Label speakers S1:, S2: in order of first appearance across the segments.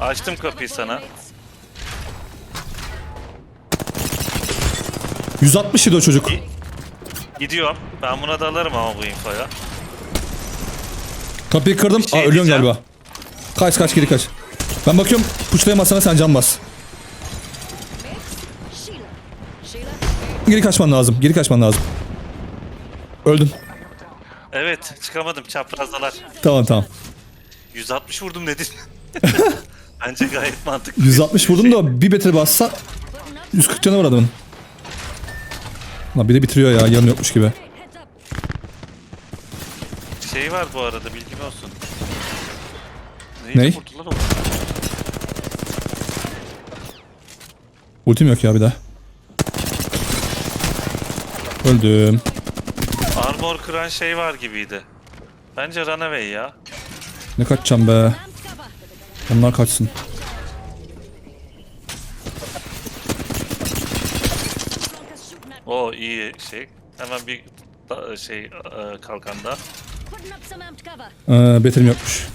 S1: Açtım kapıyı sana.
S2: 160 yedi o çocuk.
S1: Gidiyorum. Ben buna da alırım ama bu infoya.
S2: Kapıyı kırdım.
S1: Bir şey
S2: Ölüyorsun
S1: diyeceğim.
S2: galiba. Kaç geri kaç. Ben bakıyorum puçlayamazsana sen can bas. Geri kaçman lazım. Öldün.
S1: Evet, çıkamadım, çaprazdalar.
S2: Tamam.
S1: 160 vurdum dedin. Bence gayet mantıklı.
S2: 160 vurdum da bir beter bassa 140 canı var adamın. Lan bir de bitiriyor ya, yanı yokmuş gibi.
S1: Şey var bu arada, bilgin olsun.
S2: Ney?
S1: Vurdular oğlum?
S2: Ultim yok ya bir daha. Öldüm.
S1: Armor kıran şey var gibiydi. Bence Runaway ya.
S2: Ne kaçacağım be. Onlar kaçsın.
S1: O iyi şey. Hemen bir kalkanda.
S2: Beterim yokmuş.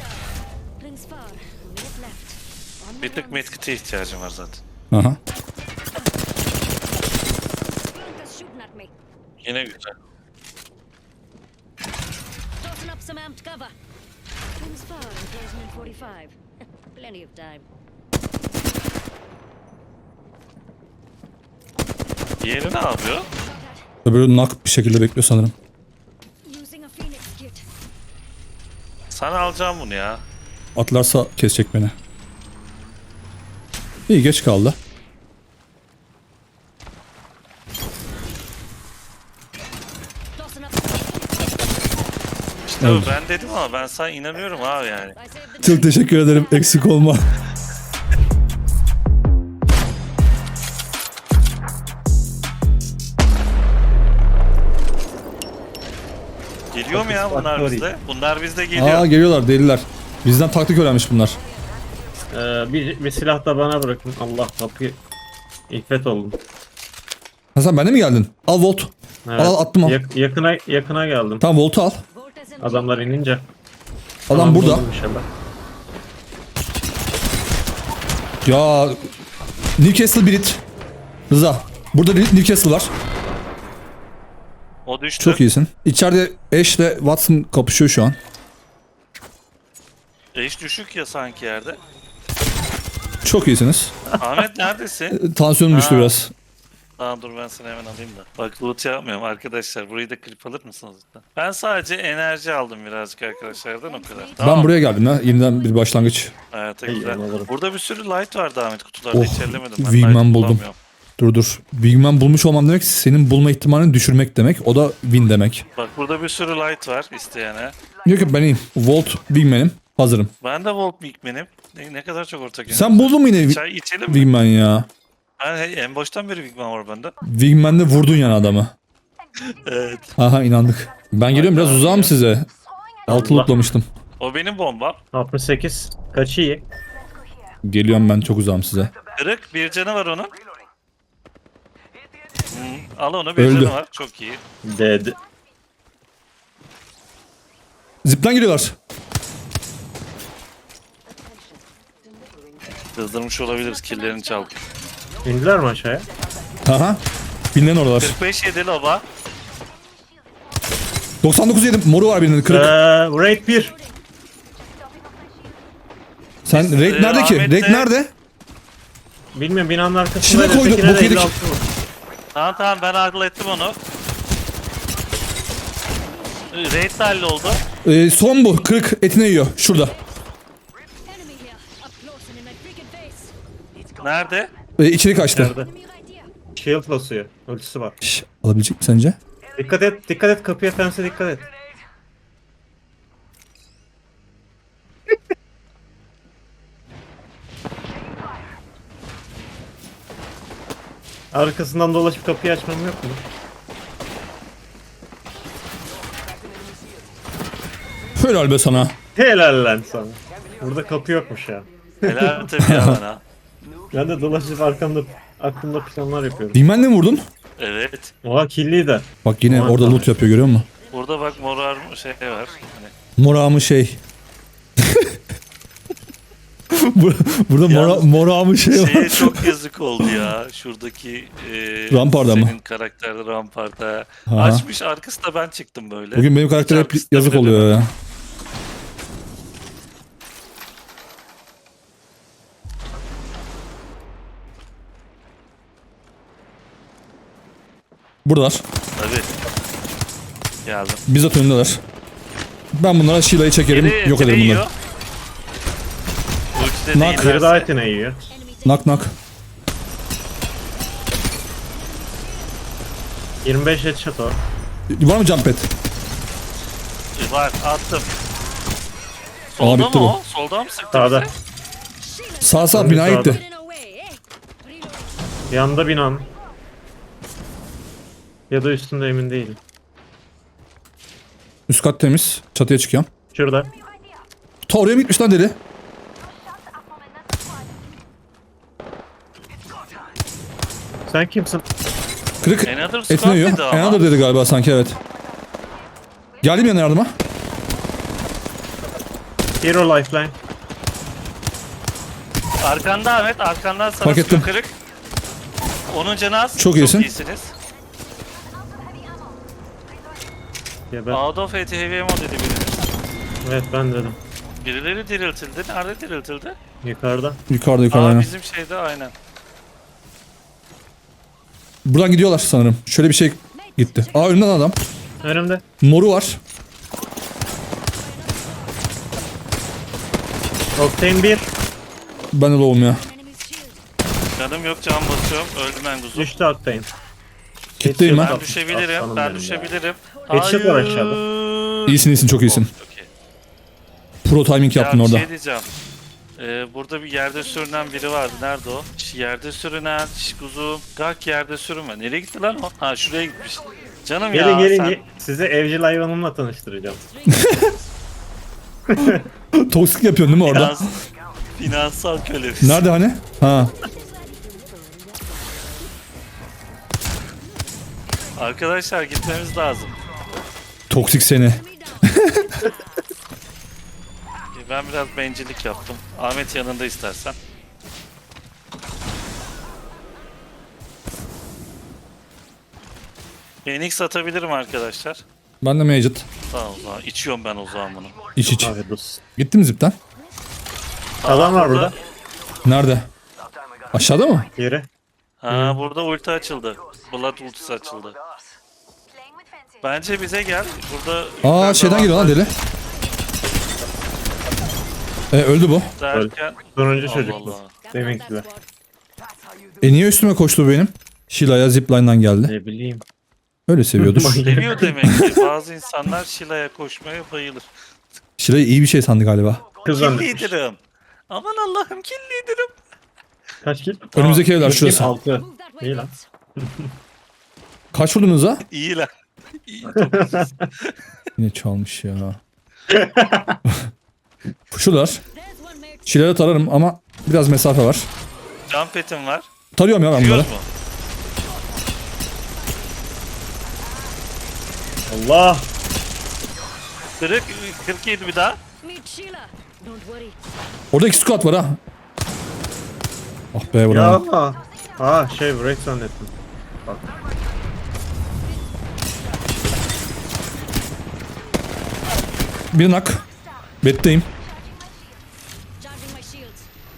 S1: Bir tık medkit'e ihtiyacım var zaten.
S2: Aha.
S1: Yine güzel. Diğeri ne yapıyor?
S2: Öbürü nak bir şekilde bekliyor sanırım.
S1: Sana alacağım bunu ya.
S2: Atlarsa kesecek beni. İyi, geç kaldı.
S1: İşte
S2: Evet.
S1: ben dedim ama ben sana inanıyorum abi yani.
S2: Çok teşekkür ederim. Eksik olma.
S1: Geliyor mu ya bunlar bizde? Bunlar bizde geliyor.
S2: Aa, geliyorlar deliler. Bizden taktik öğrenmiş bunlar.
S3: Bir silah da bana bırakın. Allah, kapıyı İffet oldum.
S2: Hasan, bende mi geldin? Al Volt.
S3: Evet.
S2: Al attım al.
S3: Yakına geldim.
S2: Tamam, Volt'u al.
S3: Adamlar inince.
S2: Adam
S3: Tamam,
S2: burada.
S3: buldum inşallah.
S2: Ya Newcastle Brit. Rıza. Burada Newcastle var.
S1: O düştü.
S2: Çok iyisin. İçeride Ash ile Watson kapışıyor şu an.
S1: Eş düşük ya sanki yerde.
S2: Çok iyisiniz.
S1: Ahmet neredesin?
S2: Tansiyonum düştü
S1: Ha.
S2: biraz.
S1: Tamam dur ben seni hemen alayım da. Bak loot yapmıyorum arkadaşlar. Burayı da klip alır mısınız lütfen? Ben sadece enerji aldım birazcık arkadaşlardan o kadar. Tamam.
S2: Ben buraya geldim ya. Yeniden bir başlangıç.
S1: Evet
S3: İyi,
S1: güzel.
S3: alırım.
S1: Burada bir sürü light vardı Ahmet kutularda
S2: Oh,
S1: içerlemedim. Ben
S2: Wingman
S1: light
S2: buldum.
S1: bulamıyorum.
S2: Dur. Big Man bulmuş olmam demek senin bulma ihtimalini düşürmek demek. O da win demek.
S1: Bak burada bir sürü light var isteyene.
S2: Yok ben iyiyim. Volt Big Man'im. Hazırım.
S1: Ben de Volt Bigman'im. Ne kadar çok ortak yönüm.
S2: Sen buldun mu yine
S1: Çay içelim mi?
S2: Big Man ya?
S1: Ben en baştan beri Bigman var bende.
S2: Big Man'de vurdun yani adamı.
S1: Evet.
S2: Aha, inandık. Ben geliyorum, biraz uzağım size. Altı
S3: Allah.
S2: lootlamıştım.
S1: O benim bombam.
S3: 68. Kaçı iyi?
S2: Geliyorum, ben çok uzağım size.
S1: Kırık bir canı var onun. Al onu bir
S2: Öldü.
S1: canı var. Çok iyi.
S3: Dead.
S2: Zipten geliyorlar.
S1: Kızdırmış olabiliriz. Killerini çaldık.
S3: İndiler mi aşağıya?
S2: Aha. Binden oralar.
S1: 45 yedi loba.
S2: 99 yedim. Moru var birinin, kırık.
S3: Raid 1.
S2: Sen Raid nerede ki?
S1: Ahmet'le-
S2: Raid nerede?
S3: Bilmiyorum, binanın arkasında.
S2: Şuna koyduk,
S3: ötekine de
S2: bok yedik.
S3: 56 vur.
S1: Tamam ben hallettim onu. Raid de halloldu.
S2: Son bu. Kırık, etine yiyor. Şurada.
S1: Nerede?
S2: İçeri kaçtı.
S3: Nerede? Shield basıyor. Ultisi var.
S2: Şş, alabilecek mi sence?
S3: Dikkat et kapıya, fense dikkat et. Arkasından dolaşıp kapıyı açmam yok mu?
S2: Helal be sana.
S3: Helal lan sana. Burada kapı yokmuş ya.
S1: Helal tabii ya bana.
S3: Ben de dolaşıp aklımda planlar yapıyorum.
S2: Big Man'le mi vurdun?
S1: Evet.
S3: Oha, killi de.
S2: Bak yine
S3: Aman
S2: orada
S3: tanrım.
S2: loot yapıyor, görüyor musun?
S1: Burada bak morar şey var. Hani
S2: Moramı şey. Burada
S1: Yalnız
S2: moramı şey var.
S1: Şeye çok yazık oldu ya. Şuradaki
S2: Ramparda mı?
S1: senin karakterde ramparda.
S2: Aha.
S1: Açmış arkasında ben çıktım böyle.
S2: Bugün benim karakter hep
S1: Arkasında
S2: yazık
S1: bile
S2: oluyor
S1: demedim.
S2: ya. Buradalar.
S1: Tabii. Geldim.
S2: Bizzat önündeler. Ben bunlara Sheilay'ı çekerim. Yok ederim bunları.
S1: yiyor. Ultide
S2: Nak.
S3: Biri daha
S1: değillerse.
S3: etine yiyor.
S2: Nak nak.
S3: 25 headshot o.
S2: Var mı jump pad?
S1: Var attım. Solda
S2: bitti
S1: mı
S2: bu.
S1: o? Solda mı sıktı
S3: Sağda.
S1: bize?
S2: Sağ binaya
S3: Sağda.
S2: gitti.
S3: Yanda binan. Ya da üstünde emin değilim.
S2: Üst kat temiz. Çatıya çıkıyorum.
S3: Şurada.
S2: Ta oraya mı gitmiş lan deli?
S3: Sen kimsin?
S2: Kırık.
S1: Another
S2: Etine
S1: squad
S2: yiyor.
S1: dedi ama.
S2: Another dedi galiba sanki, evet. Geldim yanına yardıma.
S3: Hero lifeline.
S1: Arkanda Ahmet, arkandan sana
S2: Fark ettim.
S1: sıkıyor kırık. Onun canı az.
S2: Çok iyisin.
S1: iyisiniz.
S3: Ya ben,
S1: Out of AT heavy ammo dedi biri.
S3: evet ben dedim.
S1: Birileri diriltildi. Nerede diriltildi?
S3: Yukarıda.
S2: Yukarıda
S1: Aa
S2: aynen.
S1: bizim şeyde aynen.
S2: Buradan gidiyorlar sanırım. Şöyle bir şey gitti. Aa, önünden adam.
S3: Önümde.
S2: Moru var.
S3: Octane 1.
S2: Ben de low'um ya.
S1: Canım yok, can basıyorum. Öldüm ben kuzu.
S3: Düştü Octane.
S2: Kitleyim ben.
S1: Ben düşebilirim.
S3: Aslanım
S1: Ben
S3: benim ya.
S1: düşebilirim.
S3: Headshot var aşağıda.
S2: İyisin çok iyisin.
S1: Okey.
S2: Pro timing yaptın
S1: Ya bir
S2: orada.
S1: şey diyeceğim. Burada bir yerde sürünen biri vardı. Nerede o? Yerde sürünen, kuzu. Gak yerde sürünme. Nereye gitti lan o? Ha şuraya gitmiş. Canım
S3: Gelin
S1: ya
S3: gelin.
S1: sen
S3: Sizi evcil hayvanımla tanıştıracağım.
S2: Toksik yapıyorsun değil mi orada?
S1: finansal kölesin.
S2: Nerede hani? Ha.
S1: Arkadaşlar gitmemiz lazım.
S2: Toksik seni.
S1: Ben biraz bencillik yaptım. Ahmet yanında istersen. Phoenix atabilirim arkadaşlar.
S2: Ben de Majid.
S1: Tamam o zaman. İçiyorum ben o zaman bunu.
S2: İç iç.
S3: Abi dur.
S2: Gitti mi zipten?
S3: Adam var burada.
S2: Nerede? Aşağıda mı?
S3: Yere.
S1: Ha burada ulti açıldı. Blood ultisi açıldı. Bence bize gel. Burada
S2: Aa,
S1: yukarıda
S2: şeyden geliyor lan
S1: avantaj
S2: deli. Öldü bu.
S1: derken
S3: Sonuncu
S1: Allah
S3: çocuk.
S1: Allah.
S3: Deminkiler.
S2: Niye üstüme koştu benim? Sheila'ya zipline'dan geldi.
S3: Ne bileyim.
S2: Öyle seviyordur.
S1: Seviyor demek ki. Bazı insanlar Shila'ya koşmaya bayılır.
S2: Sheila'yı iyi bir şey sandı galiba.
S3: Kız
S1: Kill
S3: zannetmiş.
S1: leader'ım. Aman Allah'ım kill leader'ım.
S3: Kaç kill?
S2: Önümüzdeki evler şurası.
S3: 6. İyi lan.
S2: Kaç vurdunuz ha?
S1: İyi lan. İyi, çok güzel.
S2: Yine çalmış ya. Şuralar. Sheila'ya tararım ama biraz mesafe var.
S1: Jump pet'im var.
S2: Tarıyorum ya ben bunları.
S1: Yiyoruz mu?
S3: Allah.
S1: Kırık, 47 bir daha.
S4: Meet Sheila. Don't worry.
S2: Orada 2 squad var ha. Ah be
S3: Ya.
S2: bravo.
S3: Aa şey break zannettim. Bak.
S2: Bir nak. Betteyim.
S4: Charging my shields.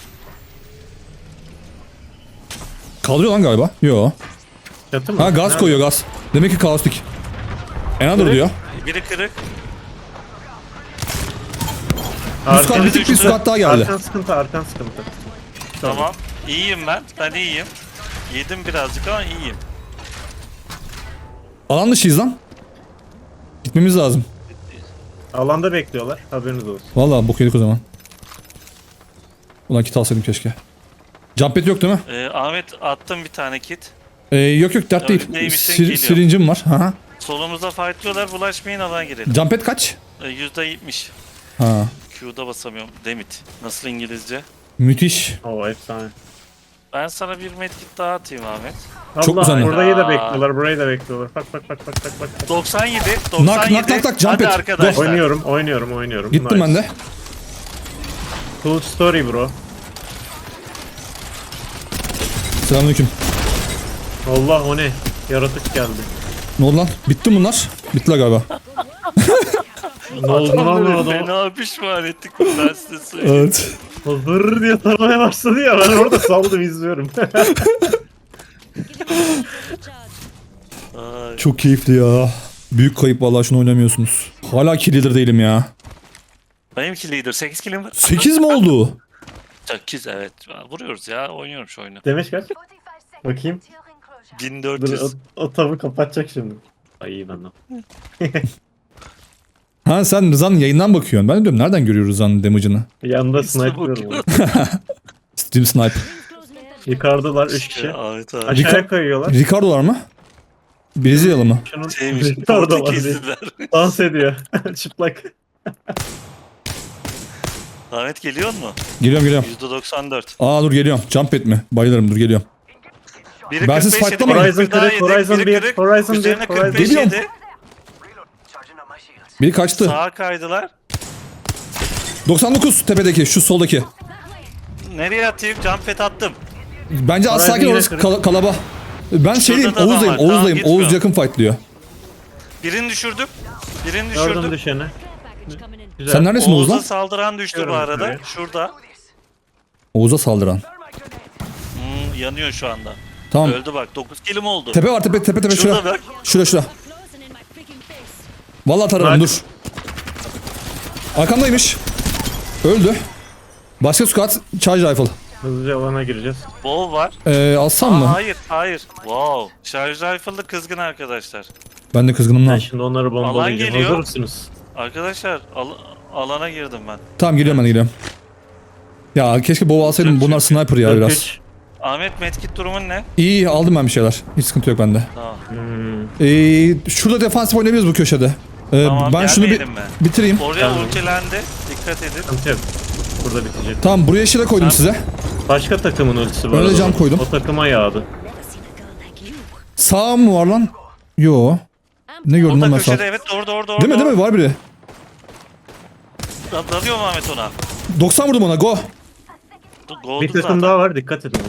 S2: Kaldırıyor lan galiba. Yo.
S3: Çatı mı?
S2: Ha, gaz
S3: Nerede?
S2: koyuyor gaz. Demek ki kaostik. Another diyor.
S1: Biri kırık.
S2: Üst kat bitik, bir squad daha geldi.
S3: Arkan sıkıntı, arkan sıkıntı.
S1: Tamam. İyiyim ben. Ben iyiyim. Yedim birazcık ama iyiyim.
S2: Alan dışıyız lan. Gitmemiz lazım.
S3: Alanda bekliyorlar. Haberiniz olsun.
S2: Vallahi bok yedik o zaman. Ulan kit alsaydım keşke. Jump pad yok değil mi?
S1: Ahmet attım bir tane kit.
S2: Yok yok, dert değil.
S1: Neymişsin, geliyor.
S2: Sirincim var. Ha.
S1: Solumuzda fightlıyorlar. Bulaşmayın, alan girelim.
S2: Jump pad kaç?
S1: %70.
S2: Ha.
S1: Q'da basamıyorum. Demit. Nasıl İngilizce?
S2: Müthiş.
S3: Oo efsane.
S1: Ben sana bir medkit daha atayım Ahmet.
S2: Çok
S3: Allah,
S2: güzel.
S3: burayı da
S1: Aa.
S3: bekliyorlar, burayı da bekliyorlar. Bak bak bak bak bak bak.
S1: 97.
S2: Nak, nak, nak, nak, jump
S1: Hadi
S2: it.
S1: arkadaşlar.
S3: Oynuyorum.
S2: Gittim
S3: Nice.
S2: ben de.
S3: Cool story bro.
S2: Selamünaleyküm.
S3: Allah o ne? Yaratık geldi.
S2: Ne oldu lan? Bitti mi bunlar? Bittiler galiba.
S3: Ne oldu lan
S1: Adamları
S3: orada?
S1: fena pişman ettik ben size söyleyeyim.
S2: Evet.
S3: O zırr diye taramaya başladı ya, ben orada saldım izliyorum.
S4: Charge.
S1: Ay,
S2: Çok keyifli ya. Büyük kayıp vallahi şunu oynamıyorsunuz. Hala kill leader değilim ya.
S1: benimki lider 8 kilim var.
S2: 8 mi oldu?
S1: 8 evet. Vuruyoruz ya oynuyorum şu oyunu.
S3: Demiş kaç? Bakayım. Dur
S1: 1400.
S3: o tabu kapatacak şimdi. Ay iyi benden.
S2: Ha sen Rıza'nın yayından bakıyorsun. Ben de diyorum nereden görüyor Rıza'nın damage'ını?
S3: Yanında
S1: İşte
S3: sniper'lıyorum.
S1: bakıyorum.
S2: Steam Snipe.
S4: Close me.
S3: Yukarıdalar 3 kişi.
S1: Evet abi.
S3: Aşağıya kayıyorlar.
S2: Ricardo'lar mı? Brezilyalı mı?
S3: Şunun
S1: Şeymiş.
S3: orada var.
S1: Portekizliler.
S3: Dans ediyor. Çıplak.
S1: Ahmet geliyor mu?
S2: Geliyorum.
S1: %94.
S2: Aa dur geliyorum. Jump etme. Bayılırım dur geliyorum.
S1: Biri
S2: Ben siz
S1: 45 yedi,
S2: fightlamayın.
S1: biri
S3: Horizon
S1: daha
S3: kırık,
S1: yedi,
S3: Horizon
S1: biri
S3: bir,
S1: kırık.
S3: Horizon
S1: Üzerine
S3: bir,
S1: 45
S2: Geliyorum.
S1: yedi.
S2: Biri kaçtı.
S1: Sağa kaydılar.
S2: 99 tepedeki şu soldaki.
S1: Nereye atayım? Jump pad attım.
S2: Bence az
S3: Horizon
S2: sakin
S3: yine
S2: orası
S3: kırık.
S2: kalaba. Ben şeydeyim
S1: da adam
S2: Oğuz'dayım.
S1: var. Tamam,
S2: Oğuz'dayım.
S1: gitmiyor.
S2: Oğuz yakın fightlıyor.
S1: Birini düşürdüm. Birini
S3: Gördüm
S1: düşürdüm.
S3: düşeni.
S4: Care package coming in.
S3: Güzel.
S2: Sen neredesin Oğuz
S1: Oğuz'a
S2: lan?
S1: saldıran düştü bu
S3: Görüyorum
S1: arada.
S3: şurayı.
S1: Şurada.
S2: Oğuz'a saldıran.
S1: Yanıyor şu anda.
S2: Tamam.
S1: Öldü bak. 9 kilim oldu.
S2: Tepe var tepe
S1: Şurada
S2: şura.
S1: bak.
S2: Şura.
S4: Close and in my freaking face.
S2: Vallahi tararım
S3: Bak.
S2: dur. Arkamdaymış. Öldü. Başka squad charge rifle.
S3: Hızlıca alana gireceğiz.
S1: Bol var.
S2: Alsam
S1: Aa,
S2: mı?
S1: hayır. Wow. Şarj rifle'lı kızgın arkadaşlar.
S2: Ben de kızgınım
S3: Ben
S2: lan.
S3: şimdi onları bombalayacağım.
S1: geliyor.
S3: Hazır mısınız?
S1: Arkadaşlar alana girdim ben.
S2: Tamam geliyorum ben geliyorum. Ya keşke bow alsaydım. Bunlar sniper ya biraz.
S3: 43.
S1: Ahmet medkit durumun ne?
S2: İyi aldım ben bir şeyler. Hiç sıkıntı yok bende.
S1: Tamam.
S2: Şurada defansif oynayabiliriz bu köşede.
S1: Tamam,
S2: Ben şunu bir
S1: gelmeyelim mi?
S2: bitireyim.
S1: Oraya
S3: Tamam.
S1: ultilendi. Dikkat edin.
S3: Sıkıntı yok. Burada bitecek.
S2: Tamam buraya şile koydum size.
S3: Başka takımın ultisi bu
S2: Öyle
S3: arada.
S2: cam koydum.
S3: O takıma yağdı.
S4: Never seen a girl like you.
S2: Sağ mı var lan? Yo. Ne gördün
S1: Orada
S2: lan ben sağ?
S1: köşede evet orada.
S2: Değil mi var biri.
S1: Dalıyor mu Ahmet ona?
S2: 90 vurdum ona go.
S1: Goldu
S3: Bir takım
S1: zaten.
S3: daha var, dikkat edin.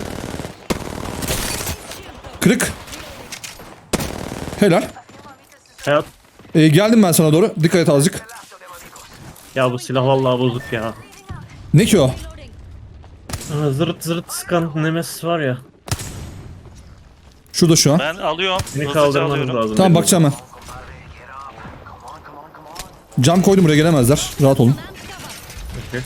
S2: Kırık. Helal.
S3: Hayat.
S2: Geldim ben sana doğru. Dikkat et azıcık.
S3: Ya bu silah vallahi bozuk ya.
S2: Ne ki o?
S3: Aa, zırt zırt sıkan Nemesis var ya.
S2: Şurada şu an.
S1: Ben alıyorum.
S3: Seni
S1: Hızlıca
S3: kaldırmanız
S1: alıyorum.
S3: lazım.
S2: Tamam
S3: benim.
S2: bakacağım ben. Cam koydum buraya gelemezler. Rahat olun.
S3: Okey.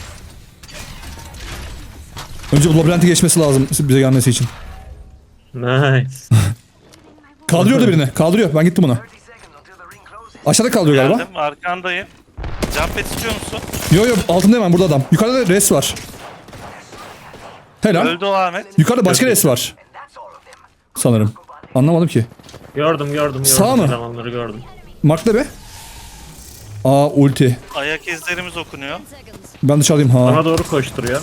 S2: Önce bu labirenti geçmesi lazım bize gelmesi için.
S3: Nice.
S2: Kaldırıyor da birini. Kaldırıyor. Ben gittim ona. Aşağıda kaldırıyor galiba.
S1: Geldim arkandayım. Jump pad istiyor musun?
S2: Yo altında hemen burada adam. Yukarıda res var. Helal.
S1: Öldü o Ahmet.
S2: Yukarıda başka res var. Sanırım. Anlamadım ki.
S3: Gördüm.
S2: Sağ mı?
S3: Elemanları gördüm.
S2: Mark'ta be. Aa ulti.
S1: Ayak izlerimiz okunuyor.
S4: Seconds.
S2: Ben dışarıdayım ha.
S3: Bana doğru koşturuyor.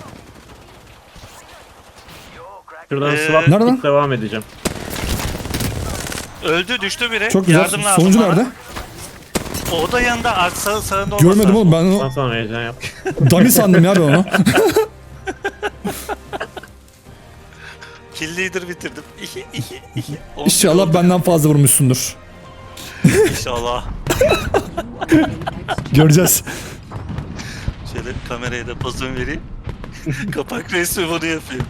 S3: Şuradan swap
S2: Nerede lan?
S3: devam edeceğim.
S1: Öldü düştü biri.
S2: Çok güzel.
S1: Yardım lazım
S2: Sonuncu
S1: bana.
S2: nerede?
S1: O da yanında sağında olmasa.
S2: Görmedim oğlum ben
S3: Ben
S2: onu.
S3: sana heyecan yap.
S2: Dummy sandım ya ben onu.
S1: Kill leader bitirdim. İki.
S2: İnşallah benden fazla vurmuşsundur.
S1: İnşallah.
S2: Göreceğiz.
S1: Şöyle kameraya da pozunu vereyim. Kapak resmi bunu yapayım.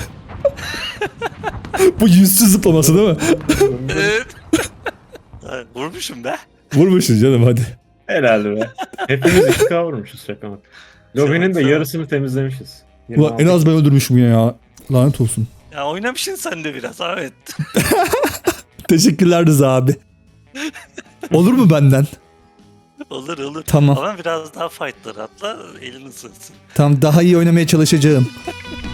S2: Bu yüzsüz zıplaması değil mi?
S1: Evet. Ha, vurmuşum be.
S2: Vurmuşuz canım hadi.
S3: Helal be. Hepimiz 2K vurmuşuz şaka bak. Lobinin de yarısını temizlemişiz.
S2: Ulan en az ben öldürmüşüm ya. Lanet olsun.
S1: Ya oynamışsın sen de biraz Ahmet.
S2: Teşekkürler Rıza abi. Olur mu benden?
S1: Olur.
S2: Tamam.
S1: Ama biraz daha fightlar atla elini ısınsın.
S2: Tamam daha iyi oynamaya çalışacağım.